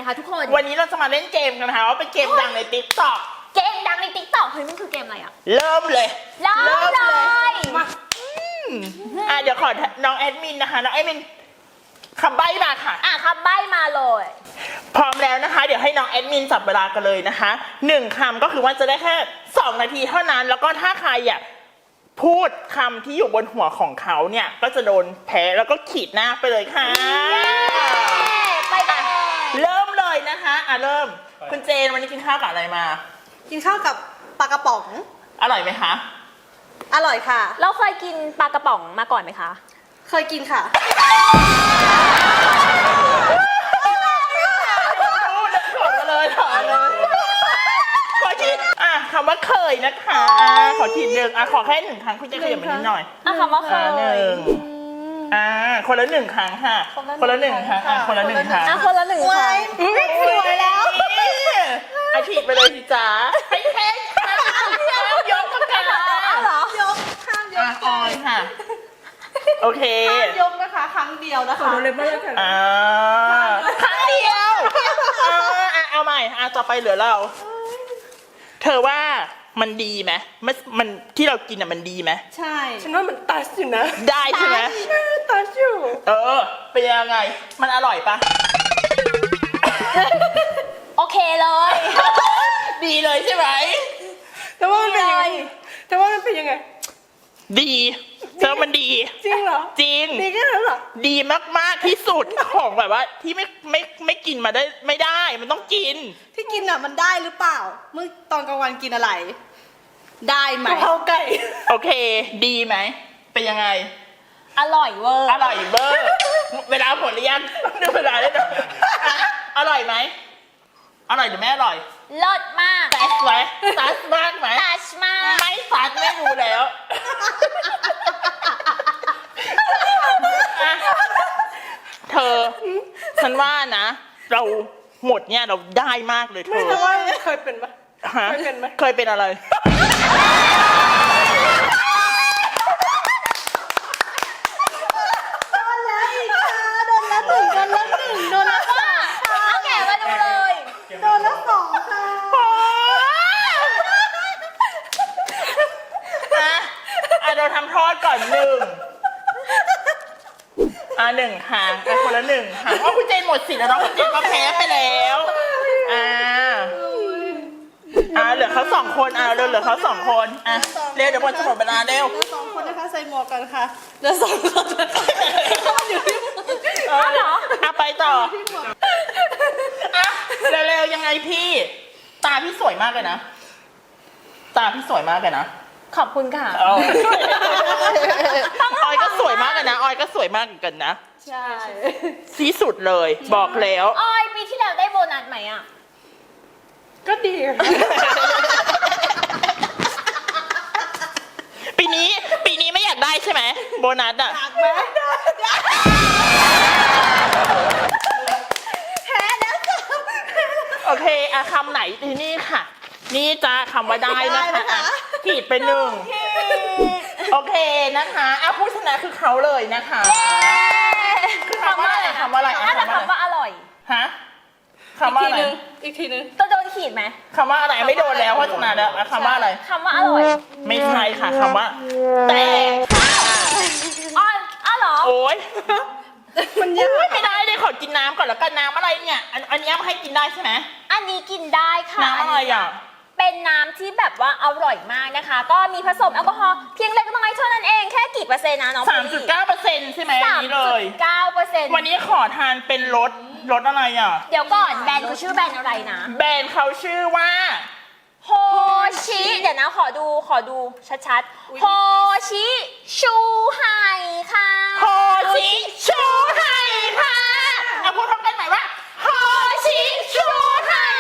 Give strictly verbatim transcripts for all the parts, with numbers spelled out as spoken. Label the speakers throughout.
Speaker 1: คะทุกคน
Speaker 2: วันนี้เราจะมาเล่นเกมกันนะคะว่าเป็นเกมดังในติ๊กต็อก
Speaker 1: เกมดังในติ๊กต็อกเฮ้ยมันคือเกมอะไรอ่ะ
Speaker 2: เริ่มเลย
Speaker 1: เริ่มเลย
Speaker 2: มาอ่ะเดี๋ยวขอน้องแอดมินนะคะน้องแอดมินคำใบ้มาค่ะ
Speaker 1: อ่ะคำใบ้มาเลย
Speaker 2: พร้อมแล้วนะคะเดี๋ยวให้น้องแอดมินจับเวลากันเลยนะคะหนึ่งคำก็คือว่าจะได้แค่สองนาทีเท่านั้นแล้วก็ถ้าใครอ่ะพูดคำที่อยู่บนหัวของเขาเนี่ยก็จะโดนแพ้แล้วก็ขีดหน้าไปเลยค่ะ
Speaker 1: ไปกัน
Speaker 2: เริ่มเลยนะคะอ่ะเริ่มคุณเจนวันนี้กินข้าวกับอะไรมา
Speaker 3: กินข้าวกับปลากระป๋อง
Speaker 2: อร่อยไหมคะ
Speaker 3: อร่อยค่ะ
Speaker 1: เราเคยกินปลากระป๋องมาก่อนไหมคะ
Speaker 3: เคยกินค่ะ
Speaker 2: ถอดมาเลยถอดเลยขอทีอ่ะคำว่าเคยนะคะขอทีหนึ่งอ่ะขอแค่หนึ่งครั้งคุณจะขยับมานิดหน่อย
Speaker 1: อ่ะคำว่าเคย
Speaker 2: หนึ่งอ่าคนละหนึ่งครั้งค่ะคนละหนึ่งครั้งอ่ะคนละหนึ่งครั้ง
Speaker 1: อ่ะคนละหนึ่งครั้ง
Speaker 3: สวยแล้ว
Speaker 2: อาฉีดไปเลยสิจ๋าให้แค่ข้ามยกกันกัน
Speaker 3: เหรอยกข้ามยก
Speaker 2: ออยค่ะโอเค
Speaker 3: ข้ามยกนะคะครั้งเดียวนะคะ
Speaker 2: อ่าครั้งเดียวอ่าเอาใหม่อ่ะต่อไปเหลือเราเธอว่ามันดีไหมมันมันที่เรากินอ่ะมันดีไหม
Speaker 3: ใช่
Speaker 4: ฉันว่ามันตัชอยู่นะ
Speaker 2: ได้ใช่ไหม
Speaker 4: ตัชอยู่
Speaker 2: เออเป็นยังไงมันอร่อยปะ
Speaker 1: โอเคเลย
Speaker 2: ดีเลยใช่ไหม
Speaker 4: แต่ว่ามันเป็นยังไงแต่ว่ามันเป็นยังไง
Speaker 2: ดีเธอมันดี
Speaker 4: จริงเหรอ
Speaker 2: จริง
Speaker 4: ดีแค่นั้นเหรอ
Speaker 2: ดีมากๆที่สุดของแบบว่าที่ไม่ไม่ไม่กินมาได้ไม่ได้มันต้องกิน
Speaker 3: ที่กินอ่ะมันได้หรือเปล่าเมื่อตอนกลางวันกินอะไรได้ไหม
Speaker 4: กะเพราไก่
Speaker 2: โอเคดีไหมเป็นยังไง
Speaker 1: อร่อยเวอร์
Speaker 2: อร่อยเวอร์เวลาหมดหรือยังดูเวลาได้หน่อยอร่อยไหมอร่อยหรือไม่อร่อย
Speaker 1: เลิศมาก
Speaker 2: ซัสไหมซัสมากไหม
Speaker 1: ซัสมาก
Speaker 2: ไม่ซัสไม่รู้แล้วเธอฉันว่านะเราหมดเนี่ยเราได้มากเลยเธอ
Speaker 4: ไม่ใช่ว่าเคยเป็นปะเคยเป็นไหม
Speaker 2: เคยเป็นอะไร
Speaker 3: โดนแล้วอีกค่ะโดนแล้วหนึ่งโดนแล้วหนึ่งโดนแล้วสอง
Speaker 1: เอาแกมาดูเลย
Speaker 3: โดนแล้วสองค่ะ
Speaker 2: อ่ะเราทำโทษก่อนหนึ่งอ่ะหนึ่งครั้งอ่ะคนละหนึ่งครั้งว่าคุณเจนหมดสิทธิ์แล้วน้องคุณเจนก็แพ้ไปแล้วอ่าอ่าเหลือเขาสองคนอ่าเร็วเหลือเขาสองคนอ่ะเร็วเดี๋ยวหมดจะหมดเวลาเร็ว
Speaker 3: เหลือสองคนนะคะใส่หมวกกันค่ะเหลือสองคนอยู่ที่
Speaker 2: อ๋อเหรออ่ะไปต่ออ่ะเร็วๆยังไงพี่ตาพี่สวยมากเลยนะตาพี่สวยมากเลยนะ
Speaker 1: ขอบคุณค่ะ
Speaker 2: ออยก็สวยมากเลยนะออยก็สวยมากเหมือนกันนะ
Speaker 3: ใช่
Speaker 2: ที่สุดเลยบอกแล้ว
Speaker 1: ออยปีที่แล้วได้โบนัสไหมอ่ะ
Speaker 4: ก็ดี
Speaker 2: ปีนี้ปีนี้ไม่อยากได้ใช่ไหมโบนัสอ่ะ
Speaker 3: อยากไหมแพ้แล้วจ้ะ
Speaker 2: โอเคอะคำไหนที่นี่ค่ะนี่จะคำว่าได้นะคะขีดไปหนึ่งโอเคนะคะเอาผู้ชนะคือเขาเลยนะคะ
Speaker 1: คือคำว่าอะไร
Speaker 2: คำว่าอะไร
Speaker 1: น่าจะคำว่าอร่อย
Speaker 2: ฮะคำว่าอะไร
Speaker 3: อีกทีนึง
Speaker 1: ตัวโดนขีดไหม
Speaker 2: คำว่าอะไรไม่โดนแล้วเพราะชนะแล้วคำว่าอะไร
Speaker 1: คำว่าอร่อย
Speaker 2: ไม่ใช่ค่ะคำว่าแต่
Speaker 1: อ๋ออ๋อเหรอ
Speaker 2: โอ๊ย
Speaker 3: มันยาก
Speaker 2: ไม่ได้เลยขอกินน้ำก่อนแล้วกันน้ำอะไรเนี่ยอันอันนี้ให้กินได้ใช่ไหม
Speaker 1: อันนี้กินได้ค่ะ
Speaker 2: น้ำอะไรอ่ะ
Speaker 1: เป็นน้ำที่แบบว่าอร่อยมากนะคะก็มีผสมแอลกอฮอล์เพียงเล็กน้อยเท่านั้นเองแค่กี่เปอร์เซ็นต์นะน้อง
Speaker 2: สามจุดเก้าเปอร์เซ็นต์ใช่ไหมอันนี้เลย
Speaker 1: เก้าเปอร์เซ็นต์
Speaker 2: วันนี้ขอทานเป็นรสรสอะไรอ่ะ
Speaker 1: เดี๋ยวก่อนแบรนด์เขาชื่อแบรนด์อะไรนะ
Speaker 2: แบรนด์เขาชื่อว่า
Speaker 1: โฮชิเดี๋ยวนะขอดูขอดูชัดๆโฮชิชูไห่ค่ะ
Speaker 2: โฮชิชูไห่ค่ะเอาพูดพร้อมกันใหม่ว่าโฮชิชูไห่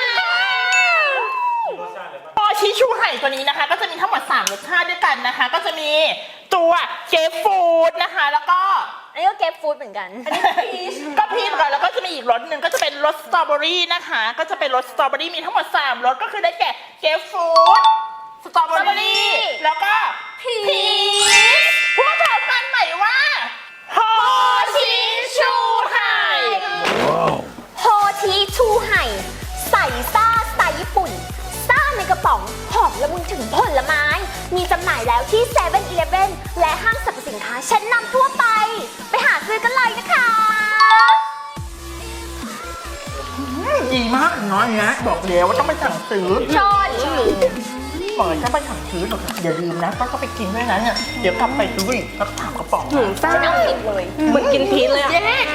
Speaker 2: โฮชิชูไห่ตัวนี้นะคะก็จะมีทั้งหมดสามรสชาติด้วยกันนะคะก็จะมีตัวเกฟฟูดนะคะแล้วก็
Speaker 1: อันนี้ก็เกฟฟูดเหมือนกันอันนี้พีช
Speaker 2: ก็พีชกันแล้วก็จะมีอีกรสหนึ่งก็จะเป็นรสสตรอเบอรี่นะคะก็จะเป็นรสสตรอเบอรี่มีทั้งหมดสามรสก็คือได้แก่เกฟฟูดสตรอเบอรี่แล้วก็
Speaker 1: พีช
Speaker 2: พูดพร้อมกันใหม่ว่าโฮชิชูไห่
Speaker 1: โฮชิชูไห่ผลไม้ มีจำหน่ายแล้วที่เซเว่นอีเลฟเว่นและห้างสรรพสินค้าชั้นนำทั่วไป ไปหาซื้อกันเลยนะคะ
Speaker 2: ดีมากน้อยนะบอกแล้วว่าต้องไปสั่งซื้อ
Speaker 1: ชอนชอน
Speaker 2: บอกเลยถ้าไปสั่งซื้อหนูอย่าลืมนะต้องไปกินด้วยนะเนี่ยเดี๋ยวกลับไปซื้ออีกสักสามกระป๋อง
Speaker 4: หืมซ่า
Speaker 1: ฉันเอาผิดเลย
Speaker 4: เหมือนกินพีชเลยอะ
Speaker 2: เย้